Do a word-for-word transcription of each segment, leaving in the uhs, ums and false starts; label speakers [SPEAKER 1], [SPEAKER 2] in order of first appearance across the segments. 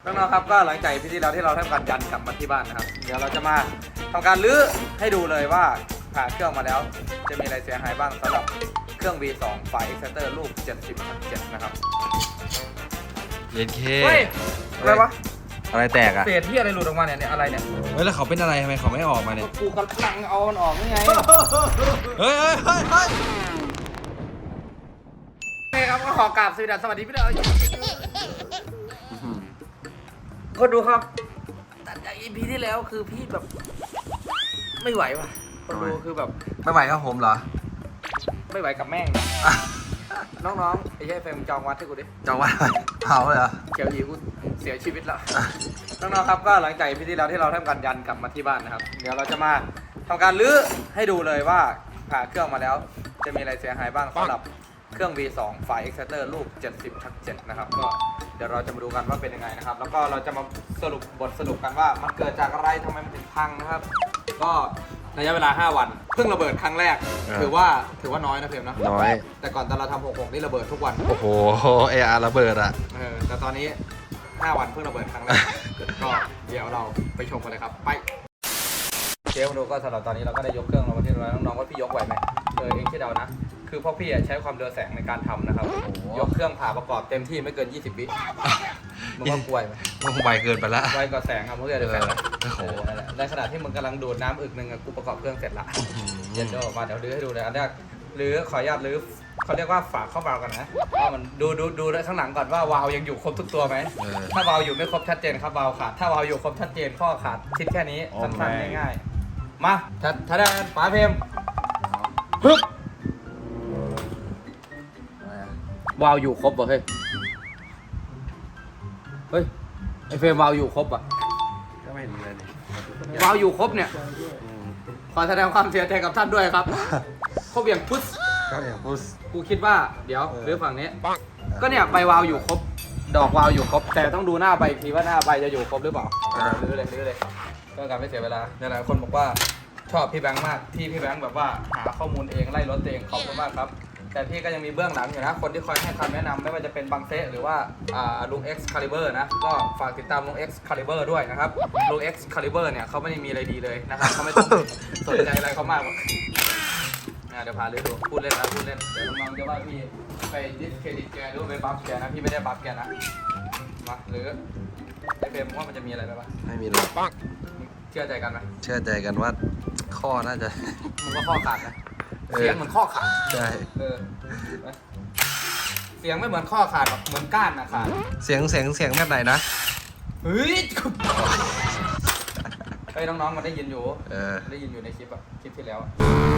[SPEAKER 1] น้องๆครับก็หลังจากพี่ที่เราที่เราทำการยันกลับมาที่บ้านนะครับเดี๋ยวเราจะมาทำการรื้อให้ดูเลยว่าผ่าเครื่องมาแล้วจะมีอะไรเสียหายบ้างสำหรับเครื่อง วี สอง ไฟ Exciter ลูก เจ็ดสิบ เจ็ด นะครับ
[SPEAKER 2] เย็นเค
[SPEAKER 1] เฮ้ยอะไรวะ
[SPEAKER 2] อะไรแตกอ่ะ
[SPEAKER 1] เศษที่อะไรหลุดออกมาเนี่ยเนี่ยอะไรเนี่ย
[SPEAKER 2] เฮ้ยแล้วเขาเป็นอะไรทำไมเขาไม่ออกมาเนี่ย
[SPEAKER 1] กูกำลังเอามันออกนี่ไง
[SPEAKER 2] เฮ้ยเฮ้ยเฮ้ยเฮ้ย
[SPEAKER 1] โอเคครับก็ขอกราบสวัสดีพี่เด้อคนดูครับตัดจาก อี พี ที่แล้วคือพี่แบบไม่ไหวว่ะคนดูคือแบบ
[SPEAKER 2] ไม่ไหวครับผมเหรอ
[SPEAKER 1] ไม่ไหวกับแม่ง น้องๆไอ้เหี้ยเฟรมจองวัดให้กูดิ
[SPEAKER 2] จะว่าเผาเลยเหรอ
[SPEAKER 1] เขียวอีกูเสียชีวิตแล้ว น้องๆครับก็หลังจากพี่ที่แล้วที่เราทำการยันกลับมาที่บ้านนะครับเดี๋ยวเราจะมาทำการรื้อให้ดูเลยว่าผ่าเครื่องมาแล้วจะมีอะไรเสียหายบ้างสำหรับเครื่อง วี สอง ไฟ Exciter ลูก เจ็ดสิบ เจ็ด นะครับก็เดี๋ยวเราจะมาดูกันว่าเป็นยังไงนะครับแล้วก็เราจะมาสรุปบทสรุปกันว่ามันเกิดจากอะไรทำไมมันถึงพังนะครับก็ระยะเวลาห้าวันเพิ่งระเบิดครั้งแรกถือว่าถือว่าน้อยนะเฟรมนะ
[SPEAKER 2] น้อย
[SPEAKER 1] แต่ก่อนตอนเราทำหกหกนี่ระเบิดทุกวัน
[SPEAKER 2] โอ้โหเออาร์ระเบิดอ่ะ
[SPEAKER 1] เออแต่ตอนนี้ห้าวันเพิ่งระเบิดครั้งแรก ก็เดี๋ยวเราไปชมกันเลยครับไปเชฟมาดูก็สำหรับตอนนี้เราก็ได้ยกเครื่องลงมาที่ร้อยน้องๆว่าพี่ยกไหวไหมเออเองคิดเอานะคือพวกพี่ใช้ความเร็วแสงในการทำนะครับยกเครื่องผ่าประกอบเต็มที่ไม่เกินยี่สิบวิมึงว่ากลัวไหม
[SPEAKER 2] มันคงไวเกินไปละ
[SPEAKER 1] ไวกว่าแสงครับเพื่อนเดี๋ยวแสง
[SPEAKER 2] โอ้โห
[SPEAKER 1] นั่นแหละในขณะที่มึงกำลังดูดน้ำอึกหนึ่งอะกูประกอบเครื่องเสร็จละเย็นเดี๋ยวออกมาเดี๋ยวลื้อให้ดูเลยอันแรกลื้อขออนุญาตลื้อเขาเรียกว่าฝาเข้าวาล์วกันนะว่ามันดูดูดูข้างหลังก่อนว่าวาล์วยังอยู่ครบทุกตัวไหม
[SPEAKER 2] เออ
[SPEAKER 1] ถ้าวาล์วอยู่ไม่ครบชัดเจนครับวาล์วขาดถ้าวาล์วอยู่ครบชัดเจนข้อขาดคิดแค่นี้
[SPEAKER 2] โอ้
[SPEAKER 1] สั้น
[SPEAKER 2] แม่
[SPEAKER 1] ๆง่ายๆมาถ้าถ้าได้ป๋าเพมปึ๊บวาล์วอยู่ครบป่ะเฮ้ยเฮ้ยไอเฟรมวาล์วอยู่ครบอ่ะ
[SPEAKER 2] ก็ไม่เห็นเลยนี่
[SPEAKER 1] วาล์วอยู่ครบเนี่ย
[SPEAKER 2] อืม
[SPEAKER 1] ขอแสดงความเสียใจกับท่านด้วยครับ ครบอย่างพุทธ
[SPEAKER 2] ก็อย่างพุส
[SPEAKER 1] กูคิดว่าเดี๋ยว
[SPEAKER 2] เออ
[SPEAKER 1] หรือฝั่งนี้ ก็เนี่ยใบวาล์วอยู่ครบ ดอกวาล์วอยู่ครบ แต่ต้องดูหน้าใบอีกทีว่าหน้าใบจะอยู่ครบหรือเปล่าลื้อเลยลื้อเลยเพื่อการไม่เสียเวลาหลายๆคนบอกว่าชอบพี่แบงค์มากที่พี่แบงค์แบบว่าหาข้อมูลเองไล่รถเองขอบคุณมากครับ แต่พี่ก็ยังมีเบื้องหลังอยู่นะ คนที่คอยให้คำแนะนำไม่ว่าจะเป็นบังเซหรือว่าอ่าลุง X Caliber นะ ก็ฝากติดตามลุง X Caliber ด้วยนะครับลุง X Caliber เนี่ยเขาไม่ได้มีอะไรดีเลยนะครับเขาไม่ต้องสนใจอะไรเขามากหรอกอ่ะเดี๋ยวพาเรื่อดูพูดเล่นนะพูดเล่นเดี๋ยวน้องๆจะว่าพี่ไปดิสเครดิตแกหรือว่าไปบัฟแกนะพี่ไม่ได้บัฟแกนะมาหรือไอเฟรมว่ามันจะมีอะไรไหมวะ
[SPEAKER 2] ไม่มีเลยปัง
[SPEAKER 1] เชื่อใจกันไหม
[SPEAKER 2] เชื่อใจกันว่าข้อน่าจะ
[SPEAKER 1] มันก็ข้อขาดนะ
[SPEAKER 2] เออ
[SPEAKER 1] เสียงเหมือนข้อขาด
[SPEAKER 2] ใช่
[SPEAKER 1] เออไปเสียงไม่เหมือนข้อขาดหรอกเหมือนก้านนะขาด
[SPEAKER 2] เสียงเสียงเสียงแบบไหนนะ
[SPEAKER 1] เฮ้ยเฮ้ยน้องๆมันได้ยินอยู่
[SPEAKER 2] เออ
[SPEAKER 1] ได้ยินอยู่ในคลิปอะคลิปที่แล้วอะ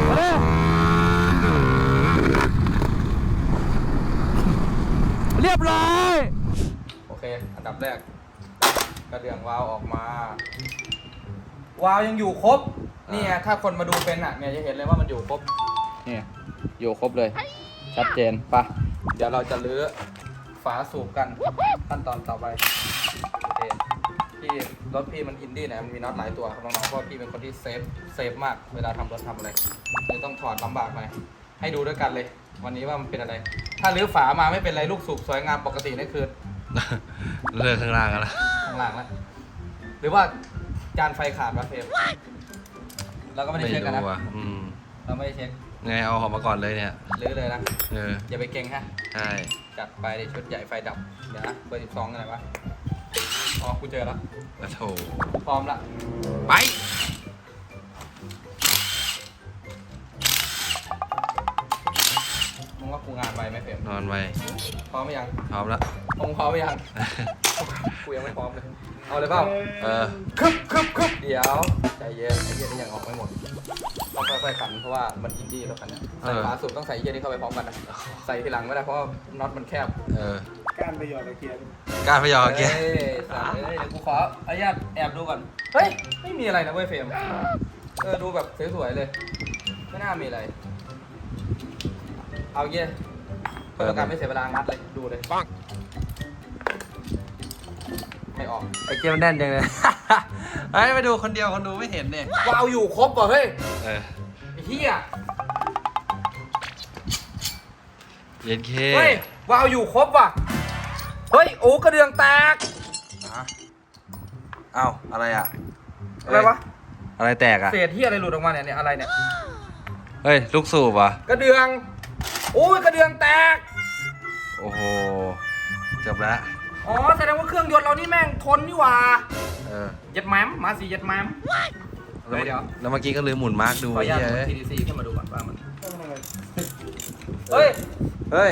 [SPEAKER 1] เรียบร้อยโอเคอันดับแรกกระเดื่องวาล์วออกมาวาล์วยังอยู่ครบนี่ไงถ้าคนมาดูเป็นอะเนี่ยจะเห็นเลยว่ามันอยู่ครบเนี่ยอยู่ครบเลยชัดเจนปะเดี๋ยวเราจะลื้อฝาสูบกันขั้นตอนต่อไปโอเคพี่รถพี่มันอินดี้เนี่ยมันมีน็อตหลายตัวครับน้องๆเพราะพี่เป็นคนที่เซฟเซฟมากเวลาทำรถทำอะไรเลยต้องถอดลำบากหน่อยให้ดูด้วยกันเลย วันนี้ว่ามันเป็นอะไร ถ้าลื้อฝามาไม่เป็นไรลูกสูบสวยงามปกตินี่คือ
[SPEAKER 2] เลิกข้างล่างกันละ
[SPEAKER 1] ข้างล่างแล้วหรือว่าจานไฟขาดวะเฟรมเราก็ไม่ได้เช็คกันนะ
[SPEAKER 2] อ่ะอืม
[SPEAKER 1] เราไม่ได้เช็ค
[SPEAKER 2] ไงเอาออกมาก่อนเลยเนี่ย
[SPEAKER 1] ลื้อเลยนะ
[SPEAKER 2] เออ
[SPEAKER 1] อย่าไปเก่งฮะ
[SPEAKER 2] ใช่
[SPEAKER 1] จัดไปในชุดใหญ่ไฟดับ เดี๋ยวนะเบอร์สิบสองอะไรวะ อ๋อ กูเจอแล้ว
[SPEAKER 2] แล้วโถ
[SPEAKER 1] พร้อมละ
[SPEAKER 2] ไป
[SPEAKER 1] มึงว่ากูงานไวไหมเฟรม
[SPEAKER 2] นอนไว
[SPEAKER 1] พร้อมไหมยัง
[SPEAKER 2] พร้อมแล้ว
[SPEAKER 1] มึงพร้อมไหมยัง กูยังไม่พร้อมเลย เอาเลยเปล่า
[SPEAKER 2] เออ
[SPEAKER 1] คึบคึบคึบเดี๋ยวใจเย็นไอ้เหี้ยนี่ยังออกไม่หมด ต้องค่อยๆขันเพราะว่ามันอินดี้แล้วกันเนี่ยใส่ฝาสูบต้องใส่ไอ้เหี้ยนี่เข้าไปพร้อมกันนะ ใส่ทีหลังไม่ได้เพราะว่าน็อตมันแคบ
[SPEAKER 2] เออ
[SPEAKER 3] การไปหยอดตะเกียบ
[SPEAKER 2] กล้ารพยอเกีย
[SPEAKER 1] เฮ้ยสั่งเลยเดี๋ยวกูขออนุญาตแอบดูก่อน เฮ้ย ไม่มีอะไรนะเว้ยเฟรม เออ ดูแบบสวยๆเลย ไม่น่ามีอะไร เอาเงี้ยเพื่อการไม่เสียเวลางัดเลย ดูเลยปังไม่ออก
[SPEAKER 2] ไอ้เกียมันแน่นจังเลย ไอ้ไปดูคนเดียวคนดูไม่เห็นเนี่ยว
[SPEAKER 1] าวอยู่ครบป่ะเฮ้ย
[SPEAKER 2] เออ
[SPEAKER 1] ไอ้เหี้ย
[SPEAKER 2] เย็นเค
[SPEAKER 1] เฮ้ย วาวอยู่ครบว่ะ เฮ้ย โอ้กระเดื่องแตก
[SPEAKER 2] อ่ะเอ้าอะไรอ่ะ
[SPEAKER 1] อะไรวะ
[SPEAKER 2] อะไรแตกอ่ะ
[SPEAKER 1] เศษที่อะไรหลุดออกมาเนี่ยเนี่ยอะไรเนี่ย
[SPEAKER 2] เฮ้ยลูกสูบอ่ะ
[SPEAKER 1] กระเดืองโอ้ยกระเดืองแตก
[SPEAKER 2] โอ้โหจบแล้ว
[SPEAKER 1] อ๋อแสดงว่าเครื่องยนต์เรานี่แม่งทนนี่หว่า
[SPEAKER 2] เออ
[SPEAKER 1] เย็ดแมมมาสิเย็ดแมม
[SPEAKER 2] แล้ว
[SPEAKER 1] เดี๋ยว
[SPEAKER 2] แล้วเมื่อกี้ก็ลืมหมุนมาร์กดู
[SPEAKER 1] ขออนุญาต
[SPEAKER 2] ไอ้
[SPEAKER 1] กด
[SPEAKER 2] เหี้
[SPEAKER 1] ที
[SPEAKER 2] ย
[SPEAKER 1] ดีซีขึ้นมาดูก่อนว่ามันเฮ้ย
[SPEAKER 2] เฮ้ย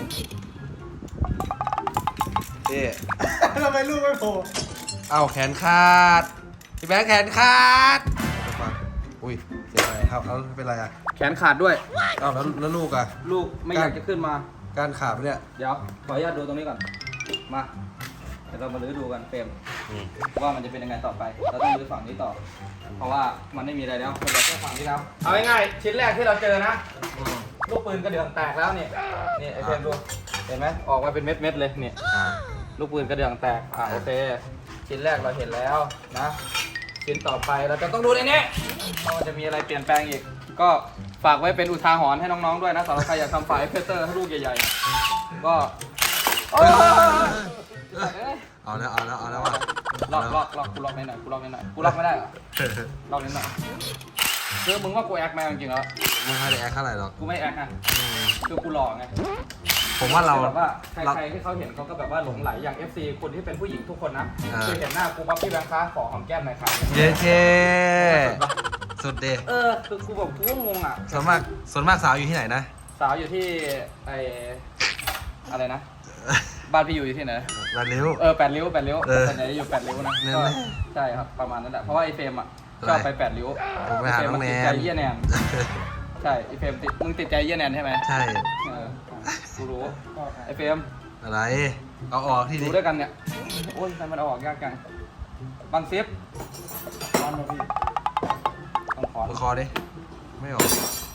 [SPEAKER 2] เอ๊
[SPEAKER 3] ทำไมลูกไม่โผล่
[SPEAKER 2] เอาแขนขาดพี่แบงค์แขนขาดอุ้ยเสียอะไรครับเอาเป็นไรอ่ะ
[SPEAKER 1] แขนขาดด้วย
[SPEAKER 2] เอาแล้วแล้วลูกอ่ะ
[SPEAKER 1] ลูกไม่อยากจะขึ้นมา
[SPEAKER 2] การขาดปะเนี่ย
[SPEAKER 1] เดี๋ยวขออนุญาตดูตรงนี้ก่อนมาเดี๋ยวเรามาลื้อดูกันเฟรมว่ามันจะเป็นยังไงต่อไปเราต้องลื้อฝั่งนี้ต่อ เพราะว่ามันไม่มีอะไรแล้วมันเหลือแค่ฝั่งนี้แล้วเอาง่ายๆชิ้นแรกที่เราเจอนะ ลูกปืนกระเดื่องแตกแล้วเนี่ยนี่ไอเฟรมดูเห็นไหมออกมาเป็นเม็ดๆเลยเนี่ย
[SPEAKER 2] อ่า
[SPEAKER 1] ลูกปืนกระเดื่องแตกอ่าโอเคชิ้นแรกเราเห็นแล้วนะชิ้นต่อไปเราจะต้องดูในนี้ว่ามันจะมีอะไรเปลี่ยนแปลงอีก ก็ฝากไว้เป็นอุทาหรณ์ให้น้องๆด้วยนะสำหรับใครอยากทำไฟล์เพเตอร์ให้ลูกใหญ่ๆก็โอ้ย
[SPEAKER 2] เอาแล้วเอาแล้วเอาแล้วว่ะ
[SPEAKER 1] ล็อกล็อกล็อกกูล็อกนิดหน่อยกูล็อกนิดหน่อยกูล็อกไม่ได้เหรอล็อกนิดหน่อยคือมึงว่ากูแอคไหมจริงๆแล้ว
[SPEAKER 2] ไม่ค่อยได้แอคเท่าไหร่หรอก
[SPEAKER 1] กูไม่แอคนะคือกูหล่อไง
[SPEAKER 2] ผมว่าเรา
[SPEAKER 1] แบบว่าใค
[SPEAKER 2] เรา
[SPEAKER 1] รๆที่เขาเห็นเขาก็แบบว่าหลงไหลอย่าง เอฟ ซี คนที่เป็นผู้หญิงทุกคนนะ
[SPEAKER 2] อ่า
[SPEAKER 1] คือเห็นหน้ากูปั๊บพี่แบงค์ค้าขอหอมแก้มหน่อยครับ
[SPEAKER 2] เย้เจ้สุดเด
[SPEAKER 1] เออคือกูแบบกูก็งงอ่ะ
[SPEAKER 2] ส่วนมากส่วนมากสาวอยู่ที่ไหนนะ
[SPEAKER 1] สาวอยู่ที่ไออะไรนะบ้านพี่อยู่ที่ไหน
[SPEAKER 2] ลาดเร็ว
[SPEAKER 1] เออแปดริ้วแปดริ้ว
[SPEAKER 2] เออ
[SPEAKER 1] ส่วนใหญ่จะอยู่แปดริ้วนะ
[SPEAKER 2] นั่น
[SPEAKER 1] ก็
[SPEAKER 2] แหละ
[SPEAKER 1] ใช่ครับประมาณนั้นแหละเพราะว่าไอเฟรมอ่ะ
[SPEAKER 2] อะไร
[SPEAKER 1] ชอบไปแปดริ้ว
[SPEAKER 2] ผมไปหา
[SPEAKER 1] เฟรม
[SPEAKER 2] น้อง
[SPEAKER 1] มัน
[SPEAKER 2] แน
[SPEAKER 1] ติดใจ
[SPEAKER 2] น
[SPEAKER 1] เยี่ยแนนใช่ไอเฟรมติดมึงติดใจเยี่ยแนนใช่ไหม
[SPEAKER 2] ใช่
[SPEAKER 1] เออกูรู้ไอเฟรม
[SPEAKER 2] อะไร เอาออกที่
[SPEAKER 1] ดู
[SPEAKER 2] นี่
[SPEAKER 1] ด้วยกันเนี่ยโอ้ยทำไมมันเอาออกยากจังบางซิป
[SPEAKER 3] ตอนมาพี่
[SPEAKER 1] ต้องขอ
[SPEAKER 2] มือคอดิ ไม่ออก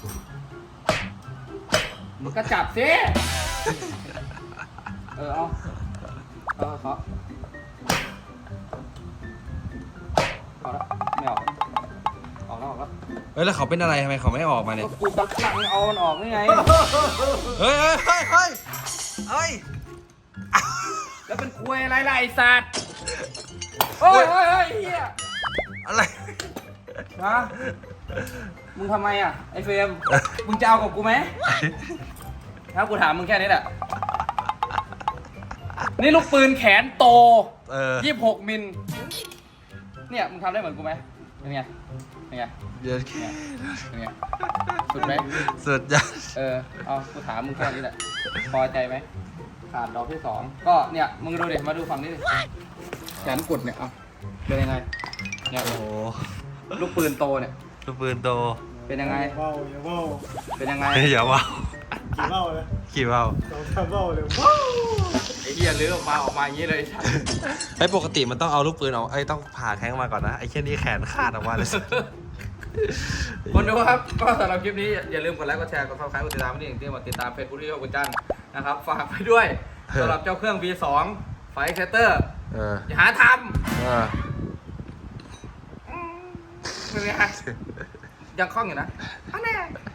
[SPEAKER 1] มึงก็จับสิเออเอาเออขอเอาละไม่ออกออกแล้วออกแล้ว
[SPEAKER 2] เฮ้ยแล้วเขาเป็นอะไรทำไมเขาไม่ออกมาเนี่ย
[SPEAKER 1] ก็กูตักหลังเอามันออกนี่ไง
[SPEAKER 2] เฮ้ยเฮ้ยเฮ้ยเฮ้ยเฮ้ย
[SPEAKER 1] แล้วเป็นคุยอะไรล่ะไอ้สัตว์โอ้ยโอ้ยโอ้ยเฮีย
[SPEAKER 2] อะไร
[SPEAKER 1] ฮะมึงทำไมอ่ะไอ้เฟรมมึงจะเอากับกูไหมถ้ากูถามมึงแค่นี้แหละนี่ลูกปืนแขนโต
[SPEAKER 2] เออ
[SPEAKER 1] ยี่สิบหกมิลเนี่ยมึงทำได้เหมือนกูไหมเป็นไงเป็นไง
[SPEAKER 2] เดี๋ยว
[SPEAKER 1] เนี่ยเป็นไงสุดไหม
[SPEAKER 2] สุดยอด
[SPEAKER 1] เออเอากูถามมึงแค่นี้แหละพอใจไหมขาดดอกที่สองก็เนี่ยมึงดูดิมาดูฝั่งนี้ดิแขนกุดเนี่ยเอาเป็นยังไงเนี่ย
[SPEAKER 2] โอ้โห
[SPEAKER 1] ลูกปืนโตเนี่ย
[SPEAKER 2] ลูกปืนโต
[SPEAKER 1] เป็นยังไง
[SPEAKER 3] อย่าเบ้าอย่าเบ้า
[SPEAKER 1] เป็นยังไง
[SPEAKER 2] เฮ้ยอย่าว้าว
[SPEAKER 3] กี่เบ้าเลย
[SPEAKER 2] ขี่ว้าว
[SPEAKER 3] สองสามเบ้าเลยว้าว
[SPEAKER 1] ไอ้เหี้ยลื้อออกมาออกมาอย่างนี้เลย
[SPEAKER 2] ไอ้ยปกติมันต้องเอาลูกปืนออกไอ้ยต้องผ่าแข้งมาก่อนนะไอ้แค่นี้แขนขาดออกมาเลย
[SPEAKER 1] คนดูครับก็สำหรับคลิปนี้อย่าลืมกดไลค์กดแชร์กดซับสไครต์กดติดตามไม่ได้อย่างที่มาติดตามเพจผู้ที่ชอบคุณจันนะครับฝากไปด้วยสำหรับเจ้าเครื่อง วี สอง ไฟเซตเตอร์
[SPEAKER 2] เออ
[SPEAKER 1] อย่าหาท
[SPEAKER 2] เออ
[SPEAKER 1] ำเป็นไงยังคล่องอยู่นะอันแน่